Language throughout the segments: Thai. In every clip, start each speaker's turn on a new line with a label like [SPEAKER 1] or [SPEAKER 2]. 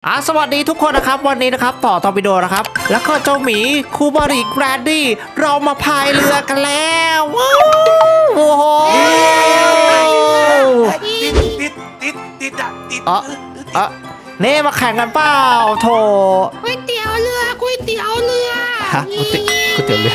[SPEAKER 1] สวัสดีทุกคนนะครับวันนี้นะครับต่อตอร์ปิโดนะครับแล้วก็เจ้าหมีคูบาริแกรนดี้เรามาพายเรือกันแล้วว้าวโอ้โห
[SPEAKER 2] ติด
[SPEAKER 1] นี่มาแข่งกันเปล่าโถ
[SPEAKER 3] ก๋วยเตี๋ยวเรือ
[SPEAKER 1] ฮะก๋วยเตี๋ยวเรือ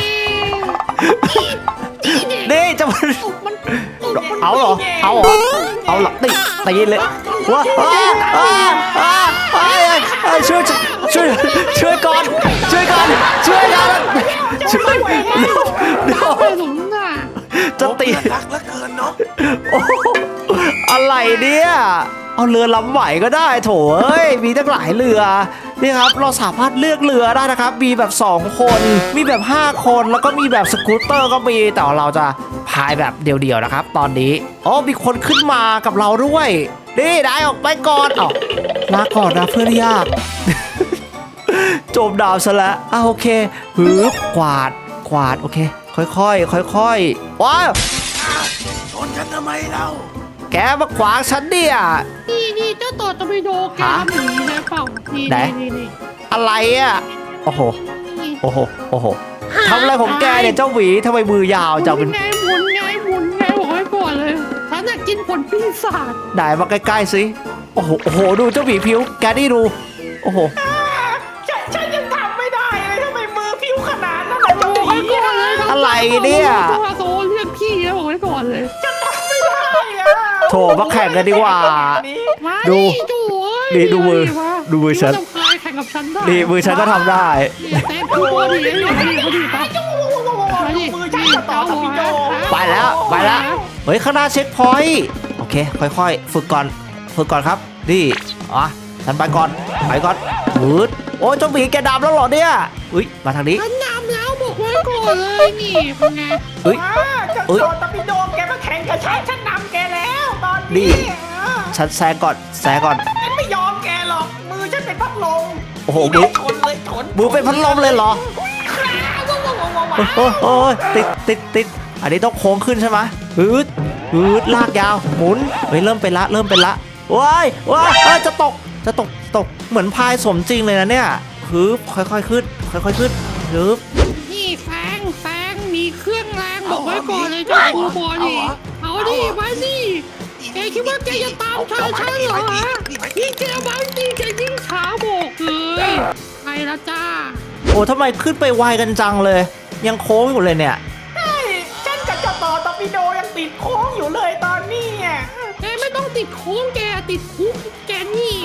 [SPEAKER 1] นี่จะมาเอาเหรอตีเลยว้าช่วยก่อนจะตี
[SPEAKER 2] รักเหลือเกินเนาะ
[SPEAKER 1] อะไรเนี่ยเอาเรือลำไหวก็ได้โถเอ้ยมีตั้งหลายเรือนี่ครับเราสามารถเลือกเรือได้นะครับมีแบบ2คนมีแบบ5คนแล้วก็มีแบบสกูตเตอร์ก็มีแต่เราจะพายแบบเดี่ยวๆนะครับตอนนี้มีคนขึ้นมากับเราด้วยนี่ได้ออกไปก่อนลาก่อนนะเพื่อนยากจมดาวซะแล้วโอเคหือกวาดโอเคค่อยว้าว
[SPEAKER 2] ชนกันทำไมเรา
[SPEAKER 1] แกมาขวางฉันเนี่ย
[SPEAKER 3] นี่เจ้าต่อตะบิโดแกทำอย่างนี้นะเปล่านี่
[SPEAKER 1] อะไรโอ้โหทำอะไรของแกเนี่ยเจ้าหวีทำไมมือยาวจังเป็น
[SPEAKER 3] หมุนไงบอกให้ก่อนเลยฉันอยากกินผลปีศาจ
[SPEAKER 1] ได้มาใกล้ๆสิโอ้โหดูเจ้าหวีผิวแกนี่ดูโอ้โห
[SPEAKER 2] ฉันยังทำไม่ได้เลยทำไมมือผิวขนาดนั้นเจ้าหวี
[SPEAKER 1] อะไรเนี่ย
[SPEAKER 3] โซเรียกพี่แล้วบอกให้ก่อนเลย
[SPEAKER 2] จะทำไม่ได้
[SPEAKER 1] โถมาแข่งกันดีกว่าดูมือฉัน
[SPEAKER 3] แข่งกับฉันได้
[SPEAKER 1] นี่มือฉันก็ทำได้
[SPEAKER 3] แต่กูพอดี
[SPEAKER 1] ไปแล้วเฮ้ยข้างหน้าเช็คพอยต์โอเคค่อยๆฝึกก่อนครับนี่ฉันไปก่อนมืดโอ้ยเจ้าหมีแกดำแล้วเหรอเนี่ยมาทางนี้
[SPEAKER 3] ฉันดำแล้วบอกไว้ก่อนเลยนี่เป็นไง
[SPEAKER 2] จะโดนตะปิโดแกมาแข่งกับฉันนำแกแล้วตอนนี้
[SPEAKER 1] ฉันแซงก่อน
[SPEAKER 2] ฉันไม่ยอมแกหรอกมือฉันเป็นพัดลม
[SPEAKER 1] โอ้โหมือเป็นพัดลมเลยเหรอโอ้ยติดอันนี้ต้องโค้งขึ้นใช่ไหมลากยาวหมุนเริ่มเป็นละว้ายจะตกเหมือนพายสมจริงเลยนะเนี่ยค่อยๆขึ้น
[SPEAKER 3] นี่แฟงมีเครื่องแรงบอกไว้ก่อนเลยเจ้าครูบอดี้เอาดิมาสิแกคิดว่าแกจะตามฉันเหรอยิ่งแกมายิ่งแกยิ่งช้าบอกเลยไปละจ้า
[SPEAKER 1] โอ้ทำไมขึ้นไปไวกันจังเลยยังโค้งอยู่เลยเนี่ย
[SPEAKER 2] ใช่ฉันกับเจ้าต่อตอร์ปิโดยังติดโค้งอยู่เลยตอนนี้
[SPEAKER 3] แกไม่ต้องติดโค้งแกติดคุกแกนี่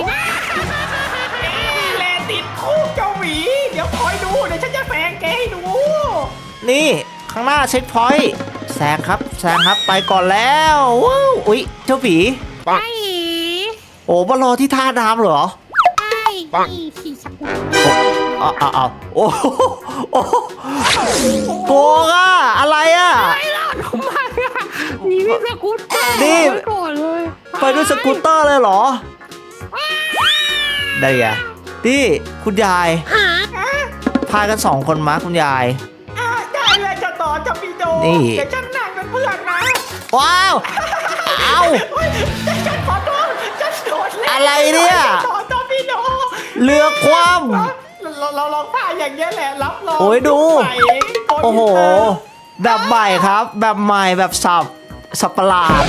[SPEAKER 2] แลติดคุกเจ้าหวีเดี๋ยวคอยดูเดี๋ยวฉันจะแฝงแกให้ดู
[SPEAKER 1] นี่ข้างหน้าเช็คพอยต์แซงครับไปก่อนแล้วอุ๊ยเจ้าหวี
[SPEAKER 3] ไป
[SPEAKER 1] โอ้มารอที่ท่าน้ำเหรอ
[SPEAKER 3] ใช่ขี่สักวัน
[SPEAKER 1] โอ้โกงอะไร
[SPEAKER 3] ไม่ล่ะทำไมนี่มีสกูตเตอร์
[SPEAKER 1] นี่
[SPEAKER 3] ก่อนเลย
[SPEAKER 1] ไปด้วยสกูตเตอร์เลยเหรอได้ไงนี่คุณยายพากัน2คนมาคุณยาย
[SPEAKER 2] ได้เลยจะต่อจะปีโดเดี๋ยวฉันนั่งเป็นเพื่อนนะ
[SPEAKER 1] ว้าว
[SPEAKER 2] ฉันขอโทษฉันโดดเล่น
[SPEAKER 1] อะไรเนี่ย
[SPEAKER 2] ต่อจะปีโด
[SPEAKER 1] เรือคว่
[SPEAKER 2] ำเราลองท่าอย่างเงี้ยแหละรับรอง
[SPEAKER 1] โอ้ยดูโอ้โหแบบใหม่ครับแบบใหม่แบบสับประหลาด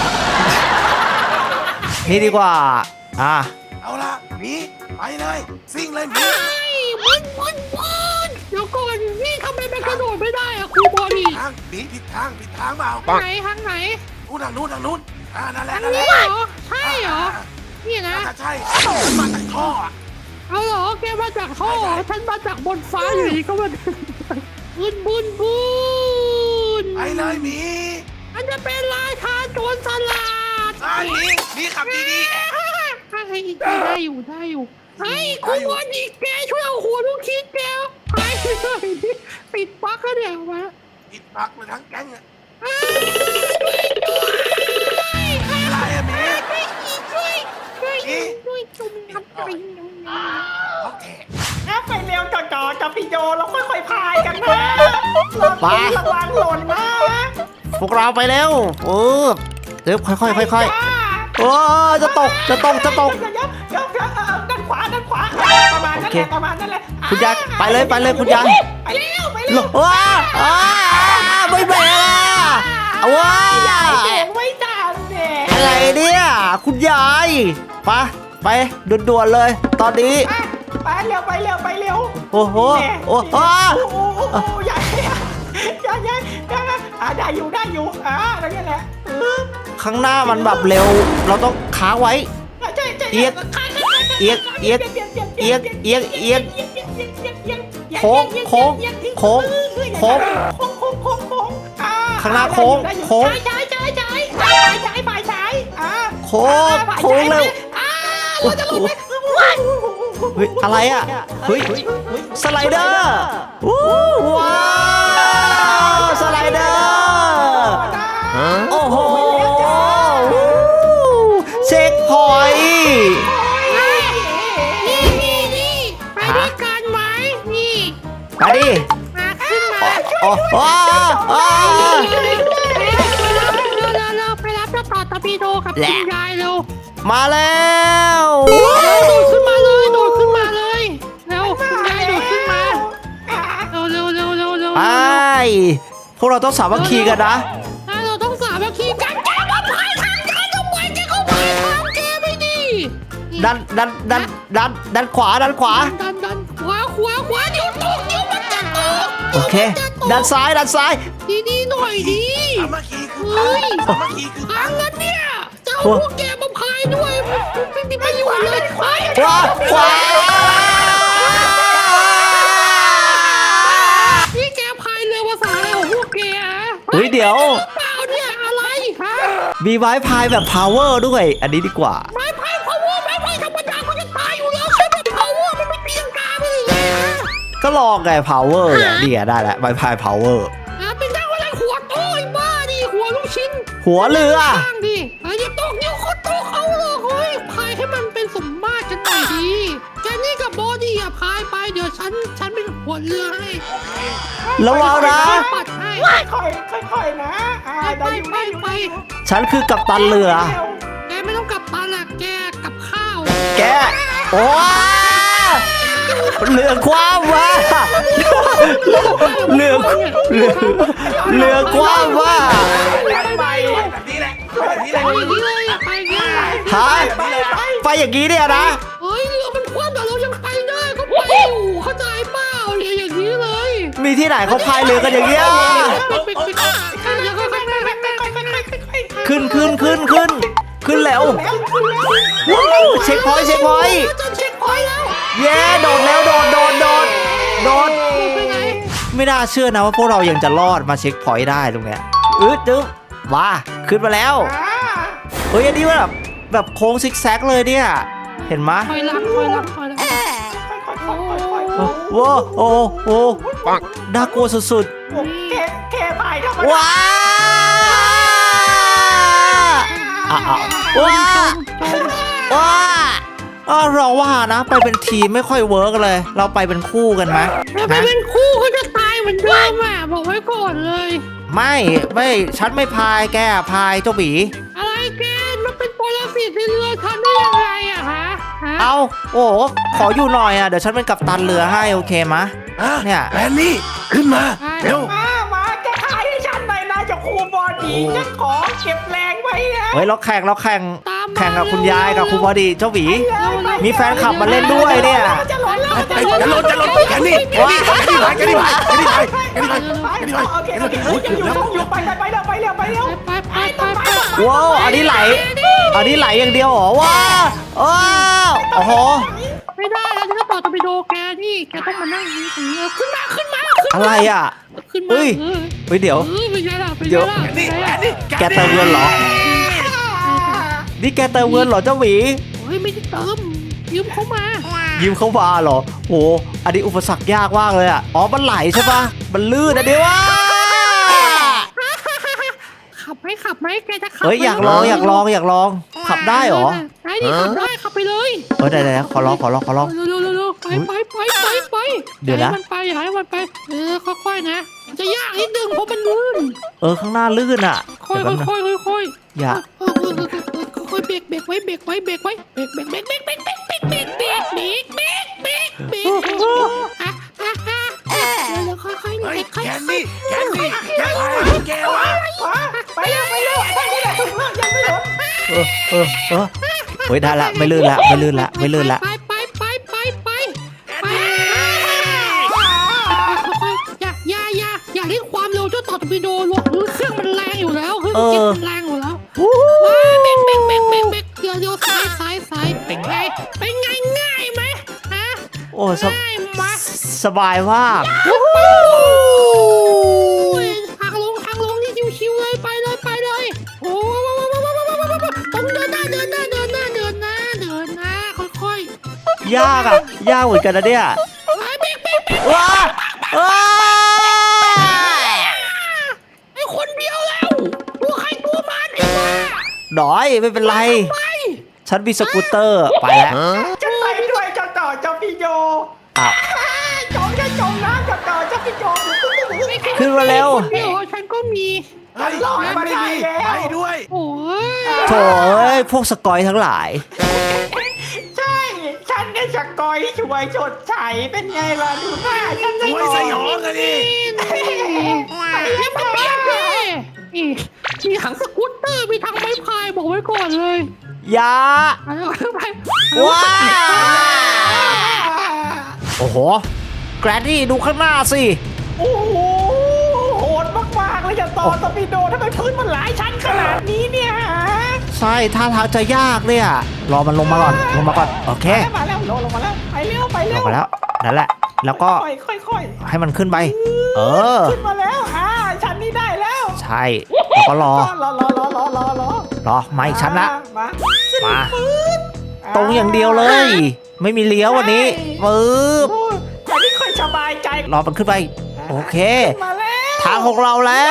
[SPEAKER 1] นี่ดีกว่า
[SPEAKER 2] เอาละมีไปเลยซิ่งเลยมี
[SPEAKER 3] มันเดี๋ยวก่อนนี่ทำไมมันกระโดดไม่ได้ครูบอดี้
[SPEAKER 2] ผิดทางเปล่า
[SPEAKER 3] ทางไหน
[SPEAKER 2] ทางนู้นนั่นแหละ
[SPEAKER 3] เหรอใช่เหรอนี่นะ
[SPEAKER 2] ใช่มาจากท่อ
[SPEAKER 3] เอาเหรอแกมาจากท่อฉันมาจากบนฟ้าอยู่ดีก็มาบุญ
[SPEAKER 2] ไปเลยมี
[SPEAKER 3] มันจะเป็นราชาโจรสลัด
[SPEAKER 2] มีขับดี
[SPEAKER 3] ได้อยู่ไอ้คุณบอดี้แกช่วยเอาหัวลูกคิดแกไปเลยปิดปักแล้วเนี่ยมา
[SPEAKER 2] ปิดปักเลยทั้งแก๊งอะไรมี
[SPEAKER 3] ช่วยจุ่มน้ำไป
[SPEAKER 2] โอเคไปเร็วจ่อกับพี่โยเราค่อยๆพายกันนะระวังหล่นนะ
[SPEAKER 1] พวกเราไปเร็วเดี๋ยวค่อยจะตก
[SPEAKER 2] ด้านขวามาณนั้นแหละประมาณนั้นแหละ
[SPEAKER 1] คุณยายไปเลยคุณยาย
[SPEAKER 2] ไปเร็วไปเร็ว
[SPEAKER 1] ว้าไม่แบกว้า
[SPEAKER 2] เด็กไม่ทันเด็ก
[SPEAKER 1] อะไรเนี่ยคุณยายไปด่วนๆเลย ตอนนี้
[SPEAKER 2] ไปเร็วไปเร็วไปเร็ว
[SPEAKER 1] โอ้โหโอ้โห
[SPEAKER 2] ใหญ่ได้อยู่ได้แหละ
[SPEAKER 1] ข้างหน้ามันแบบเร็ว เราต้องค้างไว้ เอียงโค้งข้างหน้าโค้งโค้งเร็วเฮ้ยอะไรอ่ะเฮ้ยสไลเดอร์ว้าวสไลเดอร์โอ้โหเช็คพอยต์
[SPEAKER 3] นี่ไปด้วยกันไหมนี่
[SPEAKER 1] ไปดิ
[SPEAKER 3] มาขึ้นมา
[SPEAKER 1] โอ้โห
[SPEAKER 3] เราไปรับเจ้าต่อตอร์ปิโดกับคุณยายเร็ว
[SPEAKER 1] มาแล้ว
[SPEAKER 3] โดดขึ้นมาเลยเร็วคุณยายโดดขึ้นมาเร็ว
[SPEAKER 1] ไปพวกเราต้องสามัคคีกันนะ
[SPEAKER 3] เราต้องสามัคคีกันแกมาพายทางกันทำไมแกเขาพายทางแกไม่ดี
[SPEAKER 1] ดันขวา
[SPEAKER 3] ดันขวาเดี๋ยวตกเดี๋ยวมันจะตก
[SPEAKER 1] โอเคด้านซ้าย
[SPEAKER 3] ดีหน่อยดี
[SPEAKER 2] สามัคคีคือ
[SPEAKER 3] เฮ้ย
[SPEAKER 2] สามัคคีคือ
[SPEAKER 3] ทางนั้นเนี่ยเจ้าพวกแกมาพายด้วยไม่มีประโยชน์เลยไป
[SPEAKER 1] ขวา
[SPEAKER 3] นี่แกพายเรือภาษาอะไรของพวกแก
[SPEAKER 1] เฮ้ยเดี๋ยว
[SPEAKER 3] เปล่าเนี่ยอะไรฮะ
[SPEAKER 1] มีไม้พายแบบ power ด้วย อันนี้ดีกว่า
[SPEAKER 3] ไม้พาย power ไม้พายธรรมดาเขาจะตายอยู่แล้วใช่ไหม power มันไม่ตีลังกาไปเลยฮะ
[SPEAKER 1] ก็ลองไง power เนี่ยนี่ไงได้แล้วไม้พาย power
[SPEAKER 3] เป็นเจ้าอะไรหัวโต้ยบ้าดิหัวลูกชิ้น
[SPEAKER 1] หัวเรือ
[SPEAKER 3] ตั้งดิอย่าตกเดี๋ยวเขาตกเอาหรอกเฮ้ยพายให้มันเป็นสมมาตรกันหน่อยดีแกนี่กับบอดี้อ่ะพายไปเดี๋ยวฉันเป็นหัวเรือให้
[SPEAKER 1] ระวังนะ
[SPEAKER 3] ปัดให้
[SPEAKER 2] ค่อยนะได้อยู่
[SPEAKER 1] ฉันคือกัปตันเรือ
[SPEAKER 3] แกไม่ต้องกลับบ้านละแกกลับข้าว
[SPEAKER 1] แก โอ้เรือคว้ำว่ะเรือคว้ำว่ะ
[SPEAKER 2] ไปแบบนี้แหละแบบนี้แหละ
[SPEAKER 3] ไปอย่างนี้เลยไปอย่างนี้
[SPEAKER 1] ฮะไปอย่างนี้เนี่ยนะ
[SPEAKER 3] เฮ้ยเรือมันคว่ำแต่เรายังไปได้ก็ไปอยู่เข้าใจเปล่าเนี่ยอย่างนี้เลย
[SPEAKER 1] มีที่ไหนเขาพายเรือกันอย่างเงี้ยขึ้นแล้วเช็คพอยต์
[SPEAKER 3] จะเช็คพอยต์แล้ว
[SPEAKER 1] เย้โดดแล้วโดดไม่น่าเชื่อนะว่าพวกเรายังจะรอดมาเช็คพอยต์ได้ตรงเนี้ยจึ๊บว้าขึ้นมาแล้วเฮ้ยอันนี้แบบโค้งซิกแซกเลยเนี่ยเห็นไหม
[SPEAKER 3] คอยรับ
[SPEAKER 1] ว้าวโอ้โหน่ากลัวสุด
[SPEAKER 2] แค่ไปธรรม
[SPEAKER 1] ๆ
[SPEAKER 2] ดา
[SPEAKER 1] ว้าเราว่านะไปเป็นทีมไม่ค่อยเวิร์กเลย เราไปเป็นคู่กันไหม
[SPEAKER 3] ไปเป็นคู่เขาจะตายเหมือนเดิมอ่ะบอกไว้ก่อนเลย
[SPEAKER 1] ไม่ฉันไม่พายแกพายเจ้าหมี
[SPEAKER 3] อะไรแกมันเป็นปรสิตในเรือทำได้ยังไงอะฮะ
[SPEAKER 1] เอาโอ้ขออยู่หน่อยอ่ะเดี๋ยวฉันเป็นกัปตันเรือให้โอเคมะเนี่ย
[SPEAKER 4] แลนนี่ขึ้นมาเร็ว
[SPEAKER 2] มาแกขายให้ฉันหน่อยนะจะครูบอดี้จะขอเก็บแรงไว้นะ
[SPEAKER 1] เฮ้ยเราแข่งกับคุณยายกับคุณบอดีเจ้าหมีมีแฟนคลับมาเล่นด้วยเนี่ย
[SPEAKER 2] จะหล่นแล้ว
[SPEAKER 4] จะลดแกนี่ไปโอ้ยเกือบแล้ว
[SPEAKER 2] อยู่ไปเร็ว
[SPEAKER 3] ไป
[SPEAKER 1] ว้าวอันนี้ไหลอย่างเดียวเหรอว้าวโอ้โห
[SPEAKER 3] ไม่ได้แล้วที่จะต่อตอร์ปิโดแกนี่แกต้องมานั่งนี้ถึงขึ้นมา
[SPEAKER 1] อะไรอ่ะ
[SPEAKER 3] ขึ้นมา
[SPEAKER 1] เฮ้ยเดี๋ยว
[SPEAKER 3] เป็นไงล่ะ
[SPEAKER 4] นี่แลนนี่
[SPEAKER 1] แกเติมเงินเหรอนี่แกเติมเงินเหรอเจ้าหมี
[SPEAKER 3] เฮ้ยไม่ได้เติมยืมเขามา
[SPEAKER 1] ยืมเข้ามาเหรอโหอันนี้อุปสรรคยากมากเลยอ่ะอ๋อมันไหลใช่ปะมันลื่นนะเดี๋ยวว่า
[SPEAKER 3] ขับไหมแกจะขับ
[SPEAKER 1] เฮ้ยอยากลองขับได้เหรอ
[SPEAKER 3] ได้ดิขับได้ขับไปเลย
[SPEAKER 1] ได้ขอลอง
[SPEAKER 3] เร็วไป
[SPEAKER 1] เดี๋ยวนะ
[SPEAKER 3] ให้มันไปค่อยๆนะจะยากนิดนึงเพราะมันลื่น
[SPEAKER 1] ข้างหน้าลื่นอ่ะ
[SPEAKER 3] ค่อย
[SPEAKER 1] อย่า
[SPEAKER 3] ค่อยเบรกไว้เบรกเดี๋ยวค่อยๆ
[SPEAKER 4] เฮ้ย
[SPEAKER 3] ค่อย
[SPEAKER 4] แก
[SPEAKER 3] ๆ
[SPEAKER 4] นี่แกนี่แกพายแกวะ
[SPEAKER 2] ไปเร็วไอ้ท่านนี่แหละยังไม่หมด
[SPEAKER 1] เฮ้ยได้ละไม่ลื่นละไม่ลื่นละไม่ลื่นละ
[SPEAKER 3] ไปอย่าเล่นความเร็วเจ้าต่อตบิโดหรอกเครื่องมันแรงอยู่แล้วเครื่องมันแรงอยู่แล้วเบรกเดี๋ยวซ้ายเป็นไงง่ายไหมฮะ
[SPEAKER 1] โอ้
[SPEAKER 3] ง่ายไหม
[SPEAKER 1] สบายมาก
[SPEAKER 3] ทางลงนี่ชิวๆเลยไปเลยโอ้ต้องเดินหน้าค่อย
[SPEAKER 1] ยากอ่ะยากเหมือนกันนะเนี่ย
[SPEAKER 3] เบรก
[SPEAKER 1] ว้า
[SPEAKER 3] ไอ้คนเดียวแล้วตัวใครตัวมันไอ้บ้า
[SPEAKER 1] หน่อยไม่เป็นไร
[SPEAKER 3] ไป
[SPEAKER 1] ฉันมีสกูตเตอร์ไปแล้ว
[SPEAKER 2] จะไปด้วยเจ้าต่อเจ้าพี่โย
[SPEAKER 1] อ้าว
[SPEAKER 2] จมน้ำเจ้าต่อเจ้าพี่โย
[SPEAKER 1] ขึ้นมาเร็ว
[SPEAKER 3] เดี๋ยวฉันก็มี
[SPEAKER 4] เฮ้ยไม่ได้ดีไปด้วย
[SPEAKER 3] โอ้ย
[SPEAKER 1] โถ่เอ้ยพวกสกอยทั้งหลาย
[SPEAKER 2] ใช่ฉันเนี่ยจะกอยช่วยชดใช้เป็นไงล่ะดูหน้าฉัน
[SPEAKER 4] สวยสยองอะดิ
[SPEAKER 3] แล้วมันเปลี่ยนเลยมีถังสกูตเตอร์มีถังไม้พายบอกไว้ก่อนเลย
[SPEAKER 1] ยา
[SPEAKER 3] ไป
[SPEAKER 1] ว้าโอ้โหแกรนนี่ดูข้างหน้าสิ
[SPEAKER 2] โอ้โหโหดมากๆเลยจะต่อตบิโดทำไมพื้นมันหลายชั้นขนาดนี้เนี่ย
[SPEAKER 1] ใช่ท่าทางจะยากเนี่ยรอมันลงมาก่อนโอเค
[SPEAKER 2] มาแล้วลงมาแล้วไปเร็ว
[SPEAKER 1] ลงมาแล้วนั่นแหละแล้วก็
[SPEAKER 2] ค่อย
[SPEAKER 1] ให้มันขึ้นไป
[SPEAKER 2] ขึ้นมาแล้วชั้นนี้ได้แล้ว
[SPEAKER 1] ใช่แล้วก็รอ
[SPEAKER 2] รอ
[SPEAKER 1] มาอีกชั้นละ
[SPEAKER 2] มา
[SPEAKER 1] มาตรงอย่างเดียวเลย ไม่มีเลี้ยววันนี้ปึ๊บ
[SPEAKER 2] ฉันนี่ค่อยสบายใจ
[SPEAKER 1] รอมันขึ้นไปโอเค
[SPEAKER 2] มาแล้ว
[SPEAKER 1] ทางของเราแล้ว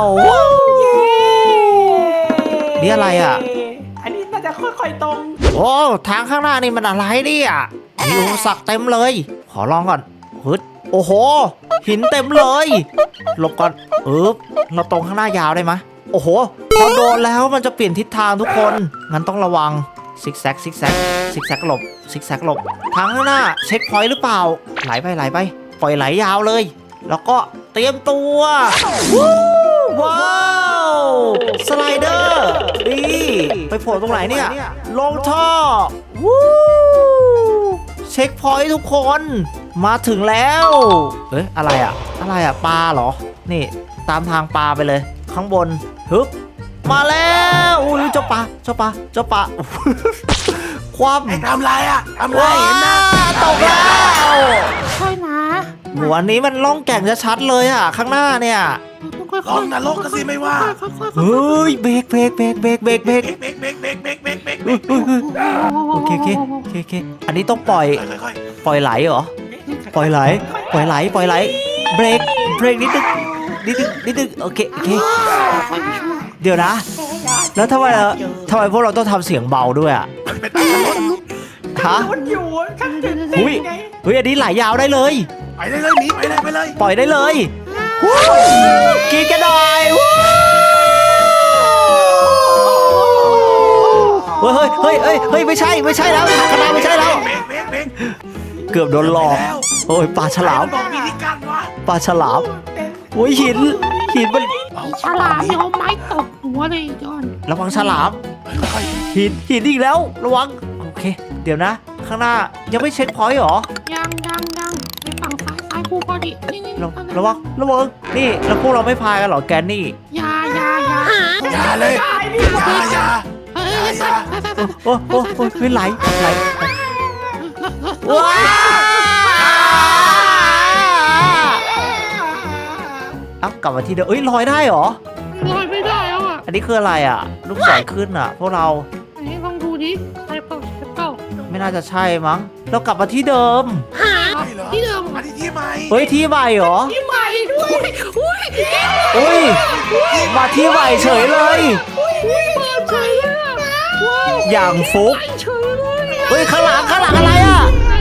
[SPEAKER 1] นี่อะไรอ่ะ
[SPEAKER 2] อันนี้น่าจะค่อยๆตรง
[SPEAKER 1] โอ้ทางข้างหน้านี่มันอะไรเนี่ยมีอุปสรรคเต็มเลย ขอลองก่อนฮึดโอ้โหหินเต็มเลยหลบก่อนเราตรงข้างหน้ายาวได้ไหมโอ้โหพอโดนแล้วมันจะเปลี่ยนทิศทางทุกคนงั้นต้องระวังซิกแซกหลบซิกแซกหลบทางข้างหน้าเช็คพอยต์หรือเปล่าไหลไปปล่อยไหลยาวเลย แล้วก็เตรียมตัวว้าวสไลเดอร์นี่ไปโผล่ตรงไหนเนี่ยลงท่อวู้เช็คพอยต์ทุกคนมาถึงแล้วอะไรอ่ะปลาเหรอนี่ตามทางปลาไปเลยข้างบนฮึบมาแล้วอุ้ยเจ้าปลาความ
[SPEAKER 4] ไอ้ทำไรอะทำไรเห็นนะ
[SPEAKER 1] ตกแล้ว
[SPEAKER 3] ค่อยนะ
[SPEAKER 1] หัวนี้มันล่องแก่งชัดๆเลยอ่ะข้างหน้าเนี่ย
[SPEAKER 3] ต้องค่อย
[SPEAKER 4] ลองนรกก็สิไม่ว่า
[SPEAKER 1] เฮ้ยเบรก
[SPEAKER 4] เบรก
[SPEAKER 1] โอเคอันนี้ต้องปล่อยไหลเหรอปล่อยไหลเบรกนิดนึงโอเคเดี๋ยวนะแล้วทำไมพวกเราต้องทำเสียงเบาด้วยอ่ะ
[SPEAKER 4] เป็นตารถ
[SPEAKER 1] ฮะ
[SPEAKER 2] มันอยู่ฉันตื่นเต้
[SPEAKER 1] อุ้ย
[SPEAKER 2] นไง
[SPEAKER 1] อันนี้ไหลยาวได้เลย
[SPEAKER 4] ไปเลยหนีไปเลย
[SPEAKER 1] ปล่อยได้เลยกินกันหน่อยเฮ้ยไม่ใช่แล้วคณะไม่ใช่แล้ว
[SPEAKER 4] เบรก
[SPEAKER 1] เกือบโดนหลอกโอ้ยปลาฉลาม
[SPEAKER 4] บอกมีที่กั้นวะ
[SPEAKER 1] ปลาฉลามโอ้ยหินมัน
[SPEAKER 3] ฉลามเดี๋ยวไม้ตบหัวเลยจอน
[SPEAKER 1] ระวังฉลาม
[SPEAKER 4] ค่อย
[SPEAKER 1] หินอีกแล้วระวังโอเค เดี๋ยวนะ ข้างหน้ายังไม่เช็คพอยต์เหรอ
[SPEAKER 3] ยังไปฝั่งซ้ายคู่พอดีนี่
[SPEAKER 1] ระวังนี่แล้วพวกเราไม่พายกันเหรอแกนนี่
[SPEAKER 3] อย่า
[SPEAKER 4] อย่าเลยอย่า
[SPEAKER 1] โอ้ไม่ไหลว้าเอ้ากลับมาที่เดิมลอยได้เหรอ
[SPEAKER 3] ลอยไม่ได้แล้วอ่ะ
[SPEAKER 1] อันนี้คืออะไรอ่ะลูกศรขึ้นอ่ะพวกเรา
[SPEAKER 3] ไหนลองดูดิใช่เปล่า
[SPEAKER 1] ไม่น่าจะใช่มั้งเรากลับมาที่เดิม
[SPEAKER 3] ที่เดิม
[SPEAKER 4] อันนี้ที่ใหม่
[SPEAKER 1] เฮ้ยที่ใหม่เหรอ
[SPEAKER 2] ที่ใหม่ด้วย
[SPEAKER 1] อุ้ยมาที่ใหม่เฉยเลย
[SPEAKER 3] เปิดเฉยเลย
[SPEAKER 1] อย่างฟุก
[SPEAKER 3] เฉยเลย
[SPEAKER 1] เฮ้ยข้างหลังอะไรอ่ะ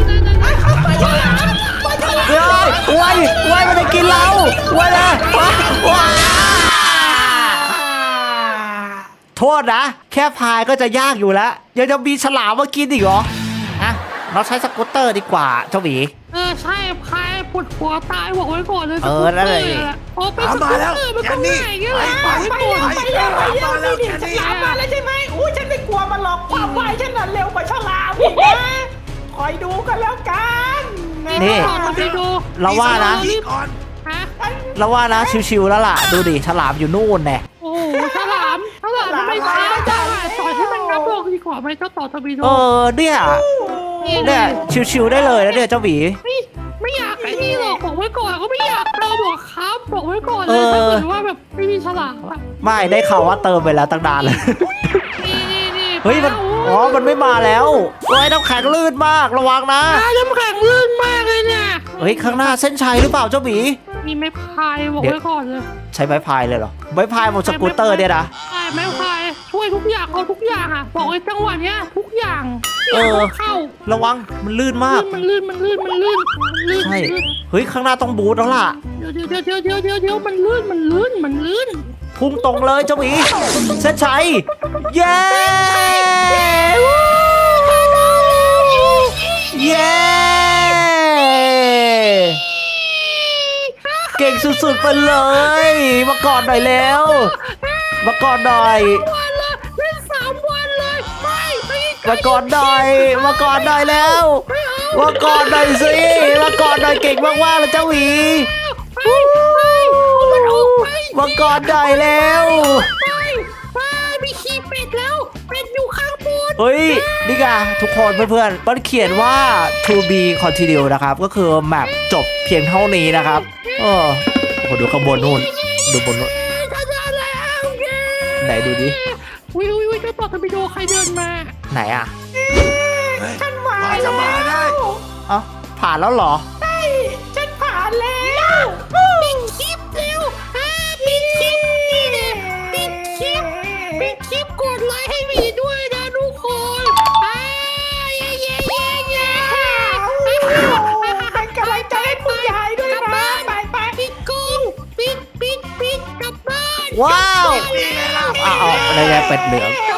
[SPEAKER 1] เฮ้ยไว้มันจะกินเราไว้เลยว้าโทษนะแค่พายก็จะยากอยู่แล้วยังจะมีฉลามมากินอีกเหรออ่ะเราใช้สกูตเตอร์ดีกว่าเจ้าหมี
[SPEAKER 3] ใช่พายปวดหัวตายบอกไว้ก่อนเลย
[SPEAKER 1] นั่นเลย
[SPEAKER 3] โอ้เป็นสกูตเตอร์มันก็ง่ายอย่างเงี้ยแหละ
[SPEAKER 2] ไปแล้วนี่ฉลามมาแล้วใช่ไหมอู้ฉันไม่กลัวมันหรอกความไวฉันน่ะเร็วกว่าฉลามอีกนะคอยดูกันแล้วกัน
[SPEAKER 1] นี่
[SPEAKER 3] ต่อไปดู
[SPEAKER 1] เราว่านะ
[SPEAKER 4] นี่ก่อน
[SPEAKER 3] ฮะ
[SPEAKER 1] เราว่านะชิวๆแล้วล่ะดูดิฉลามอยู่นู่นแน่
[SPEAKER 3] โอ้ฉลามทำไมช้าจังต่อให้มันงับลงดีกว่าไหมเจ้าต่อทวีโด
[SPEAKER 1] เนี่ยชิวๆได้เลยนะเนี่ยเจ้าหมี
[SPEAKER 3] ไม่อยากไอ้นี่หรอกบอกไว้ก่อนก็ไม่อยากเติมหรอกครับบอกไว้ก่อนเลยถ้าเกิดว่าแบบไม่มีฉลามอะ
[SPEAKER 1] ไม่ได้ข่าวว่าเติมไปแล้วตั้งนานเลย
[SPEAKER 3] นี่
[SPEAKER 1] เฮ้ยมันไม่มาแล้วโอ้ยน้ำแข็งลื่นมากระวังนะ
[SPEAKER 3] น้ำแข็งลื่นมากเลยเนี่ย
[SPEAKER 1] เฮ้ยข้างหน้าเส้นชัยหรือเปล่าเจ้าหมี
[SPEAKER 3] มีไม้พายบอกไว้ก่อนเลย
[SPEAKER 1] ใช้ไม้พายเลยเหรอไม้พายบนสกูตเตอร์เนี่ยนะ
[SPEAKER 3] ใช่ไม้พายช่วยทุกอย่างเอาทุกอย่างอ่ะบอกเลยจังหวะเนี้ยทุกอย่างเข้า
[SPEAKER 1] ระวังมันลื่นมาก
[SPEAKER 3] มันลื่น
[SPEAKER 1] ใช่เฮ้ยข้างหน้าต้องบูทแล้วล่ะ
[SPEAKER 3] เดี๋ยวมันลื่น
[SPEAKER 1] พุ่งตรงเลยเจ้าหมีเส้นชัยเย้เย้เก่งสุดๆไปเลยมาก่อนหน่อยแล้วมาก่อนหน่อย
[SPEAKER 3] วันเลยเล่น3 วันเลยไม่
[SPEAKER 1] มาก่อนหน่อยมาก่อนหน่อยแล้วมาก่อนหน่อยสิมาก่อนหน่อยเก่งมากๆเลยเจ้าหวีมาก่อนหน่อยแล้ว
[SPEAKER 3] ไปมีขี้เป็ดแล้วเป็ดอยู่ข้างบน
[SPEAKER 1] เฮ้ยนี่ไงทุกคนเพื่อนๆมันเขียนว่า to be continue นะครับก็คือแมปจบเพียงเท่านี้นะครับโอ้โหดูข้างบนนู่นดูบนนู่นไหนดูดิ
[SPEAKER 3] วิเจ้าต่อทวีโดใครเดินมา
[SPEAKER 1] ไหนอ่ะ
[SPEAKER 2] ฉันมา
[SPEAKER 4] จะมาได้
[SPEAKER 1] เอ้าผ่านแล้วเหรอ
[SPEAKER 2] ใช่ฉันผ่านแล้ว
[SPEAKER 3] ปิดคลิปเร็วปิดคลิปนี่เนี่ยปิดคลิปกดไลค์ให้มีด้วยนะทุกคน
[SPEAKER 2] เป็นกำลังใจให้คุณยายด้วยนะไป
[SPEAKER 3] ปิดกล้องปิดกลับบ้าน
[SPEAKER 1] ว้าว
[SPEAKER 4] นี่ไงล่ะ
[SPEAKER 1] อ้าวอะไรเป็ดเหลือง
[SPEAKER 3] กลั